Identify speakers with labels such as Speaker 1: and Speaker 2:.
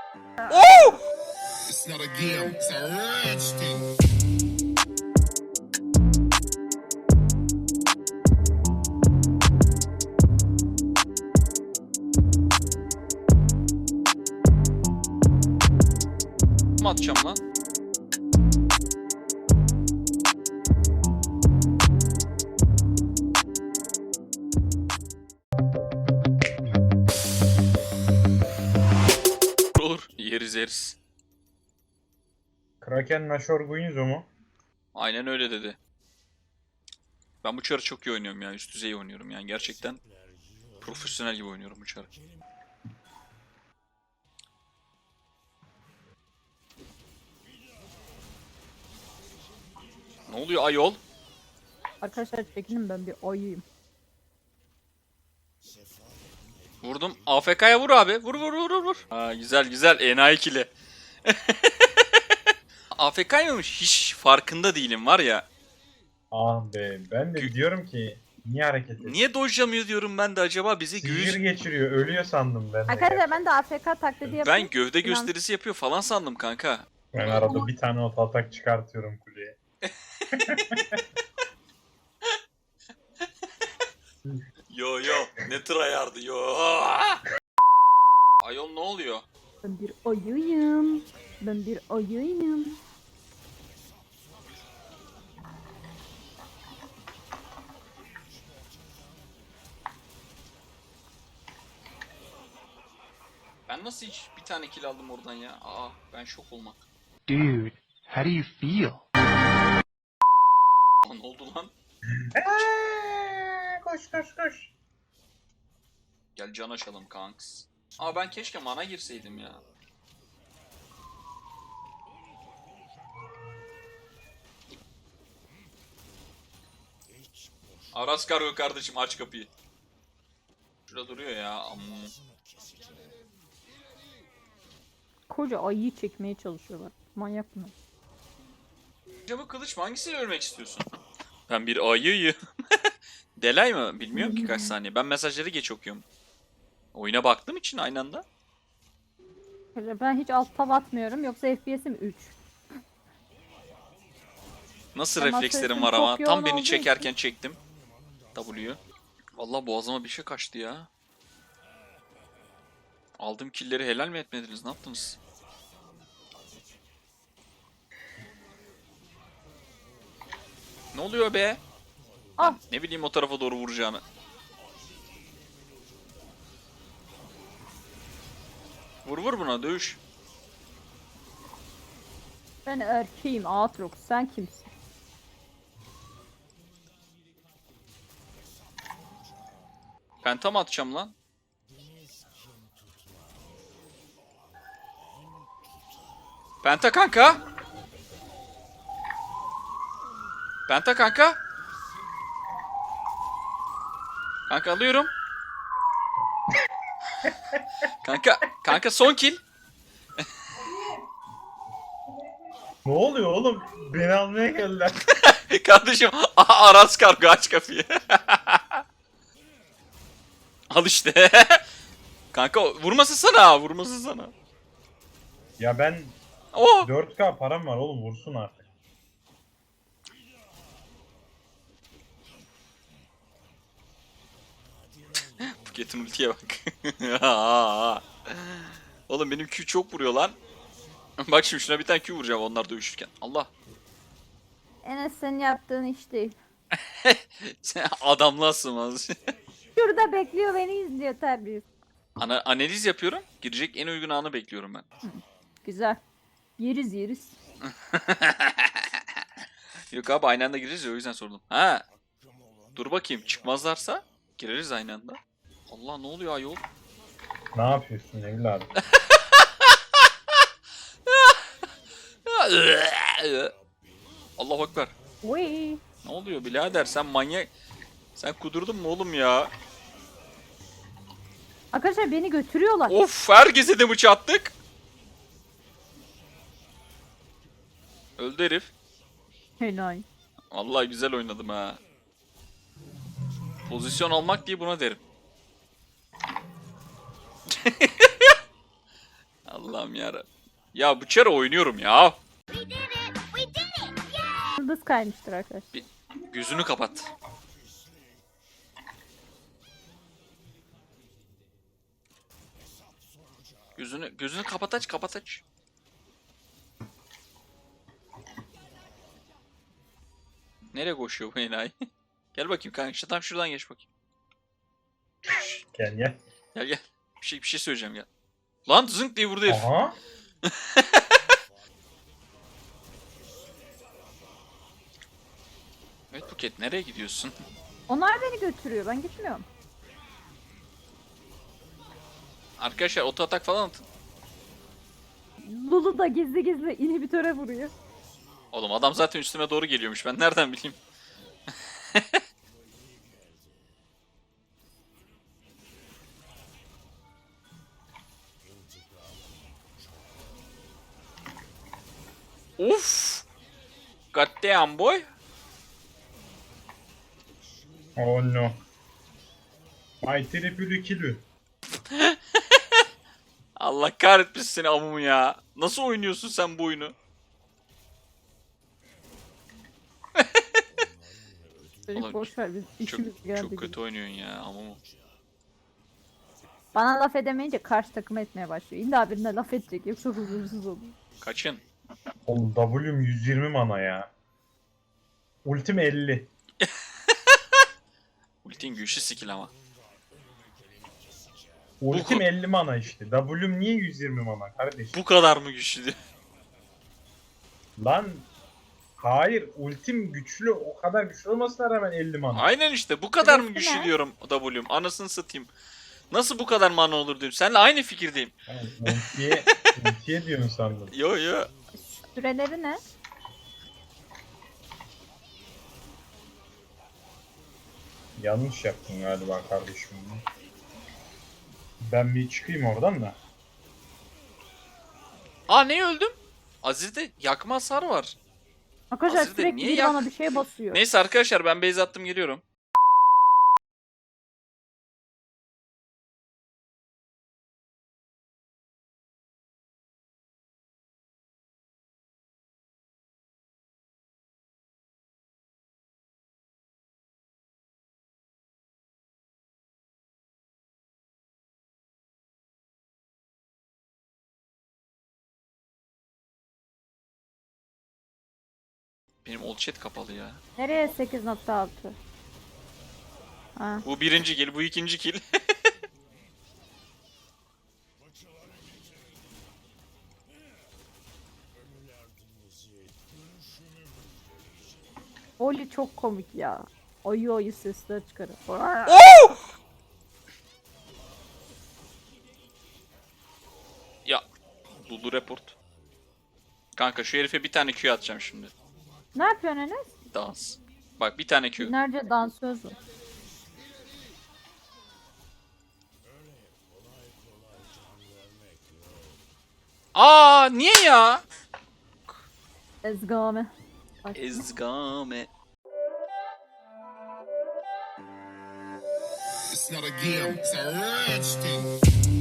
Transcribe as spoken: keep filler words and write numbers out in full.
Speaker 1: Oh!
Speaker 2: It's not a game, it's a rich thing.
Speaker 1: Mı atacağım lan? Olur. Yeriz yeriz.
Speaker 3: Kraken Nashor Guinzo mu?
Speaker 1: Aynen öyle dedi. Ben bu çarı çok iyi oynuyorum ya. Üst düzey oynuyorum yani. Gerçekten profesyonel gibi oynuyorum bu çarı. Ne oluyor ayol?
Speaker 4: Arkadaşlar çekinin, ben bir ayıyım.
Speaker 1: Vurdum. A F K'ya vur abi. Vur vur vur vur. Ha, güzel güzel. Enayi ikili. A F K'ymış. Hiç farkında değilim var ya.
Speaker 3: Ah be, ben de
Speaker 1: Gü-
Speaker 3: diyorum ki niye hareket ediyor?
Speaker 1: Niye dojlamıyor diyorum ben de acaba bizi
Speaker 3: Sihir
Speaker 1: göğüs...
Speaker 3: geçiriyor, ölüyor sandım ben de.
Speaker 4: Arkadaşlar ben de A F K taklidi yapıyorum.
Speaker 1: Ben gövde
Speaker 4: İnan-
Speaker 1: gösterisi yapıyor falan sandım kanka.
Speaker 3: Ben arada bir tane ot atak çıkartıyorum kuleye.
Speaker 1: Yo yo. Ne tryhard'ı yo. Ayol ne oluyor?
Speaker 4: Ben bir ayıyım. Ben bir ayıyım.
Speaker 1: Ben nasıl hiç bir tane kill aldım oradan ya? Aa ben şok olmak.
Speaker 5: Dude, how do you feel?
Speaker 1: Aa, ne oldu lan?
Speaker 3: Eee, koş koş koş.
Speaker 1: Gel can açalım kanks. Aa ben keşke mana girseydim ya. Aras kargo kardeşim aç kapıyı. Şurada duruyor ya. Amma.
Speaker 4: Koca ayıyı çekmeye çalışıyorlar. Manyak mı?
Speaker 1: Acaba kılıç mı? Hangisiyle ölmek istiyorsun? Ben bir ayıyım. Delay mı? Bilmiyorum ki kaç saniye. Ben mesajları geç okuyorum. Oyuna baktığım için aynı anda.
Speaker 4: Arkadaşlar ben hiç alt tab atmıyorum, yoksa F P S'im üç.
Speaker 1: Nasıl
Speaker 4: Ama
Speaker 1: reflekslerim
Speaker 4: sesim
Speaker 1: var ama.
Speaker 4: çok
Speaker 1: Tam
Speaker 4: yoğun
Speaker 1: beni
Speaker 4: olduğu
Speaker 1: çekerken çektim. W'yu. Vallahi boğazıma bir şey kaçtı ya. Aldığım killleri helal mi etmediniz? Ne yaptınız? Ne oluyor be?
Speaker 4: Ah!
Speaker 1: Ne bileyim o tarafa doğru vuracağını. Vur vur buna dövüş.
Speaker 4: Ben erkeğim Aatrox, sen kimsin?
Speaker 1: Penta mı atacağım lan? Penta kanka. Penta kanka. Kanka alıyorum. Kanka, kanka son kill.
Speaker 3: Ne oluyor oğlum? Beni almaya geldiler.
Speaker 1: Kardeşim aha, Aras kargo aç kapıyı. Al işte. Kanka vurması sana, vurması sana.
Speaker 3: Ya ben
Speaker 1: Oo.
Speaker 3: dört K param var oğlum, vursun artık.
Speaker 1: Buket'in ultiye bak. Oğlum benim Q çok vuruyor lan. Bak şimdi şuna bir tane Q vuracağım onlar dövüşürken. Allah.
Speaker 4: Enes, senin yaptığın iş değil.
Speaker 1: Sen adamlığa sığmaz.
Speaker 4: Şurada bekliyor, beni izliyor terbiyesiz.
Speaker 1: Ana analiz yapıyorum. Girecek en uygun anı bekliyorum ben.
Speaker 4: Güzel. Yeriz yeriz.
Speaker 1: Yok abi aynı anda gireriz ya o yüzden sordum. Ha. Dur bakayım çıkmazlarsa gireriz aynı anda. Allah ne oluyor ayol?
Speaker 3: Ne yapıyorsun evladım?
Speaker 1: Allahu Ekber.
Speaker 4: Uy.
Speaker 1: Ne oluyor birader sen manyak. Sen kudurdun mu oğlum ya?
Speaker 4: Arkadaşlar beni götürüyorlar.
Speaker 1: Of herkese de bıçak attık. Öldü herif.
Speaker 4: Helal.
Speaker 1: Vallahi güzel oynadım ha. Pozisyon almak diye buna derim. Allah Allah'ım yarabbim. Ya bu çare oynuyorum ya.
Speaker 4: Yıldız kaymıştır arkadaşlar.
Speaker 1: Bir gözünü kapat. Gözünü gözünü kapat aç kapat aç. Nereye koşuyor bu enayi? Gel bakayım kanka işte tam şuradan geç bakayım.
Speaker 3: Gel gel.
Speaker 1: Gel gel. Bir şey bir şey söyleyeceğim gel. Lan zınk diye vurdu herif.
Speaker 3: Aha.
Speaker 1: Evet Buket nereye gidiyorsun?
Speaker 4: Onlar beni götürüyor. Ben gitmiyorum.
Speaker 1: Arkadaşlar oto atak falan atın.
Speaker 4: Lulu da gizli gizli inhibitöre vuruyor.
Speaker 1: Oğlum adam zaten üstüme doğru geliyormuş. Ben nereden bileyim? Uf! Goddamn boy.
Speaker 3: Oh no. My triple kill.
Speaker 1: Allah kahretmesin seni amumu ya. Nasıl oynuyorsun sen bu oyunu?
Speaker 4: Çocuk
Speaker 1: Oğlum,
Speaker 4: boş ver biz
Speaker 1: Çok,
Speaker 4: işimiz geldi.
Speaker 1: çok
Speaker 4: gibi.
Speaker 1: kötü oynuyorsun ya amumu.
Speaker 4: Bana laf edemeyince karşı takım etmeye başlıyor. İlla birine laf edecek yoksa huzursuz olur.
Speaker 1: Kaçın.
Speaker 3: Oğlum W'm yüz yirmi mana ya. Ultim elli.
Speaker 1: Ultin güçlü skill ama.
Speaker 3: Ultim elli mana işte. W'm niye yüz yirmi mana kardeşim?
Speaker 1: Bu kadar mı güçlü?
Speaker 3: Lan hayır, ultim güçlü, o kadar güçlü olmasına rağmen elli mana.
Speaker 1: Aynen işte bu kadar mı
Speaker 4: Sırası
Speaker 1: güçlü
Speaker 4: ne?
Speaker 1: diyorum W'm. Anasını satayım. Nasıl bu kadar mana olur diyorum. Seninle aynı fikirdeyim.
Speaker 3: Yani ultiye, ultiye diyorsun sandım.
Speaker 1: Yo yo.
Speaker 4: Süreleri ne?
Speaker 3: Yanlış yaptın galiba kardeşim. Ben bir çıkayım oradan da.
Speaker 1: Aa ne öldüm? Aziz'de yakma hasarı var.
Speaker 4: Arkadaşlar
Speaker 1: Aslında
Speaker 4: sürekli
Speaker 1: niye
Speaker 4: biri
Speaker 1: yak-
Speaker 4: bana bir şey basıyor.
Speaker 1: Neyse arkadaşlar ben base attım geliyorum. Benim old chat kapalı ya.
Speaker 4: Nereye sekiz nokta altı? Ha.
Speaker 1: Bu birinci kill, bu ikinci kill.
Speaker 4: Oli çok komik ya. Oyu oyu sesler çıkarır.
Speaker 1: Oo! Ya. Lulu report. Kanka şu herife bir tane Q atacağım şimdi.
Speaker 4: Ne yapıyorsun Enes?
Speaker 1: Dans. Bak bir tane Q.
Speaker 4: Binlerce dansöz var.
Speaker 1: Aa niye ya?
Speaker 4: Ezgame. Bak.
Speaker 1: Ezgame.
Speaker 2: It's not a game, it's a rich thing.